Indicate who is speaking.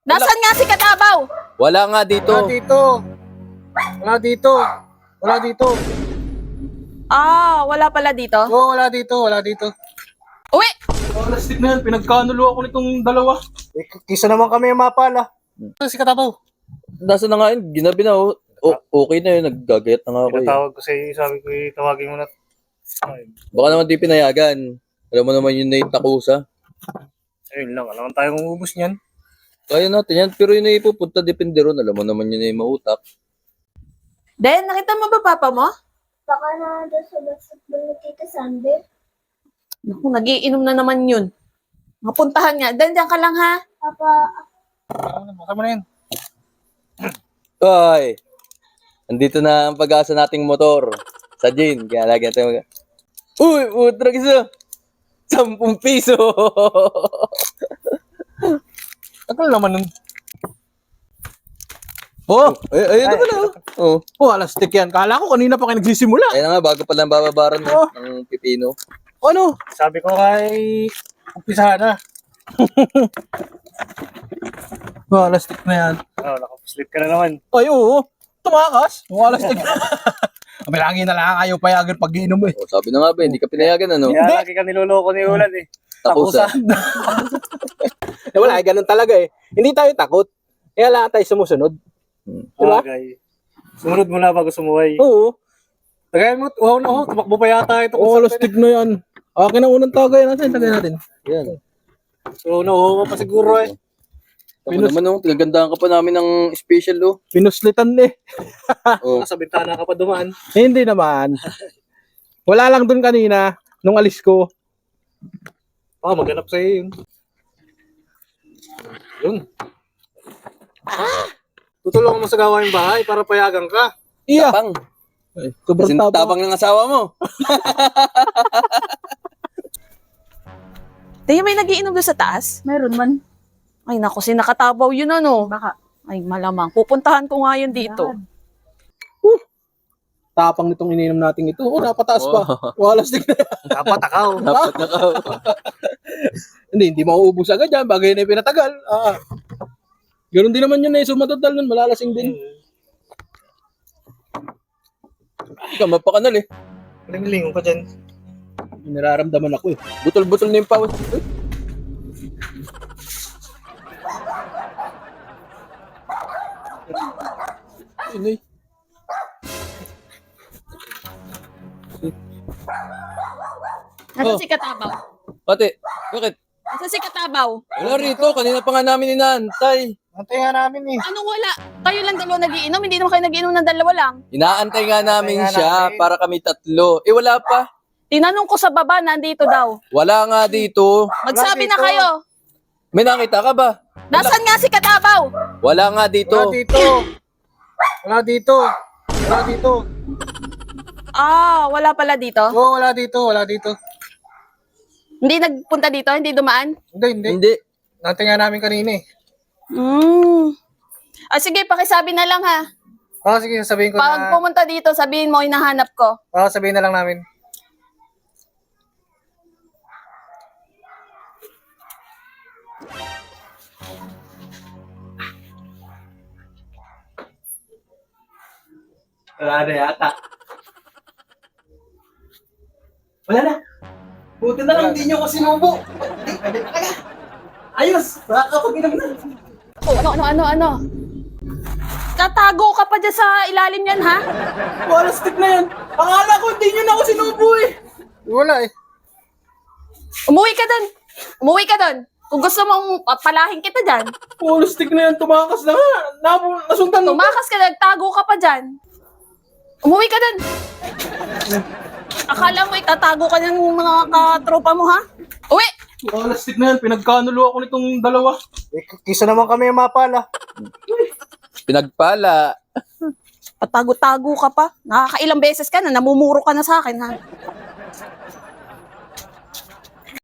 Speaker 1: Nasaan nga si Katabaw?
Speaker 2: Wala nga dito.
Speaker 3: Wala dito. Wala dito. Wala dito.
Speaker 1: Ah, wala pala dito.
Speaker 3: Oo, wala dito. Wala dito.
Speaker 1: Uwi!
Speaker 3: Plastic na yan. Pinagkanulo ako nitong dalawa. Kisa naman kami yung mapala. Si Katabaw.
Speaker 2: Nasa na nga yun, ginabi na oh. Okay na yun, naggagayat na nga ako eh.
Speaker 3: Pinatawag ko sa'yo. Sabi ko, tawagin mo na. Ay,
Speaker 2: Baka naman di pinayagan. Alam mo naman yun na yung takusa.
Speaker 3: ayun lang. Alam mo tayong umubos niyan.
Speaker 2: Kaya natin yan, pero yun na ipupunta, depende ron. Alam mo naman yun na yung mautak.
Speaker 1: Den, nakita mo ba papa mo?
Speaker 4: Baka na doon sa basketball ni Tita Sander.
Speaker 1: Naku, nagiinom na naman yun. Mapuntahan nga. Den, diyan ka lang ha.
Speaker 4: Papa,
Speaker 3: Masama na yan.
Speaker 2: Ay! Andito na ang pag-asa nating motor. Sa Jane, kaya lagi natin Uy! Utrag isa! 10 piso!
Speaker 3: Tagal naman nun.
Speaker 2: Oh! Ayun na pala oh.
Speaker 3: Oh, plastic yan. Kala ko kanina pa kayo nagsisimula.
Speaker 2: Ayun na nga, bago pala ang bababaran
Speaker 3: Oh.
Speaker 2: ng pipino.
Speaker 3: Ano? Sabi ko kay umpisahan na. Plastic na yan. Oh, nakapaslip ka na naman. Ay, oo. Tumakas. Plastic. May lagi na lang kayo payagan pag iinom eh.
Speaker 2: Oh, sabi na nga ba, hindi ka pinayagan ano?
Speaker 3: Kaya lagi ka niloloko ni Ulan eh.
Speaker 2: Takusa.
Speaker 5: Wala, ganun talaga eh. Hindi tayo takot. Kaya lang tayo sumusunod.
Speaker 3: Diba? Sumunod mo na bago sumuway.
Speaker 5: Oo.
Speaker 3: Tagay mo, wow na ho. Tumakbo pa yata ito.
Speaker 5: Oo, lastig na yan. Akin ang unang tagay natin. Tagay natin.
Speaker 2: Yan.
Speaker 3: So, nauho pa siguro eh.
Speaker 2: Ako naman oh, tigagandahan ka pa namin ng special oh.
Speaker 5: Pinuslitan eh.
Speaker 2: Oh.
Speaker 3: Nasa bintana ka pa dumaan.
Speaker 5: Hindi naman. Wala lang dun kanina. Nung alis ko.
Speaker 3: Baka maghanap sa'yo yun. Yun. Tutulungan mo sa gawain bahay para payagan ka.
Speaker 5: Iya.
Speaker 2: Tapang.
Speaker 5: Ay, sobrang
Speaker 2: Kasi
Speaker 5: tapang.
Speaker 2: tapang ng asawa mo.
Speaker 1: Tingin may nagiinom doon sa taas?
Speaker 4: meron man.
Speaker 1: Ay naku, si Nakatabaw yun ano.
Speaker 4: Baka.
Speaker 1: Ay malamang. Pupuntahan ko nga yun dito.
Speaker 5: Tapang nitong ininom natin ito. Oo, napataas pa. Wala lastig na yan.
Speaker 3: Dapat akaw.
Speaker 2: Dapat nakaw.
Speaker 5: Hindi mauubos agad yan. Bagay na yung pinatagal. Ganun din naman yun eh. Sumatotal nun. Malalasing din.
Speaker 2: Ikaw, mapakanal eh.
Speaker 3: Lingon ka dyan.
Speaker 5: Nararamdaman ako eh.
Speaker 2: Butol-butol na yung pawis. Inay.
Speaker 1: Nasaan si Katabaw?
Speaker 2: Ate, bakit?
Speaker 1: Nasaan si Katabaw?
Speaker 2: Wala rito, kanina pa nga namin inaantay.
Speaker 3: Antay nga namin eh.
Speaker 1: Anong wala? Kayo lang dalawa nagiinom? Hindi naman kayo nagiinom ng dalawa lang.
Speaker 2: Inaantay nga namin
Speaker 3: Inaantay nga
Speaker 2: siya
Speaker 3: namin.
Speaker 2: para kami tatlo. Eh wala pa.
Speaker 1: Tinanong ko sa baba, nandito daw.
Speaker 2: Wala nga dito.
Speaker 1: Magsabi na
Speaker 3: dito.
Speaker 1: kayo.
Speaker 2: May nakita ka ba?
Speaker 1: Nasaan nga si Katabaw?
Speaker 2: Wala nga dito.
Speaker 3: Wala dito. Wala dito. Wala dito.
Speaker 1: Ah, wala pala dito.
Speaker 3: Oo, wala dito. Wala dito.
Speaker 1: Hindi nagpunta dito? Hindi dumaan?
Speaker 3: Hindi.
Speaker 2: Hindi.
Speaker 3: Nantay nga namin kanina eh.
Speaker 1: Ah, sige, pakisabi na lang ha.
Speaker 3: Sige, sasabihin ko
Speaker 1: Pag
Speaker 3: na.
Speaker 1: pumunta dito, sabihin mo, hinahanap ko.
Speaker 3: Sabihin na lang namin.
Speaker 5: Wala na yata. Wala na. Buti na lang hindi nyo ko sinubo. Ayos. Makakapag-inom na.
Speaker 1: Oh, ano? Tatago ka pa dyan sa ilalim yan, ha?
Speaker 5: Wala stick na yan. Akala ko hindi nyo na ako sinubo eh.
Speaker 3: Wala eh.
Speaker 1: Umuwi ka doon. Kung gusto mong palahin kita dyan,
Speaker 5: Wala stick na yan. Tumakas na nga. Nasundan mo.
Speaker 1: tumakas ka, nagtago ka pa dyan. Umuwi ka doon. Akala mo itatago ka ng mga katropa mo, ha? Uwi!
Speaker 5: Wala stick na yan. Pinagkanulo ako nitong dalawa.
Speaker 3: Kisa naman kami yung mapala.
Speaker 2: Pinagpala.
Speaker 1: Patago-tago ka pa. Nakakailang beses ka na, namumuro ka na sa akin, ha?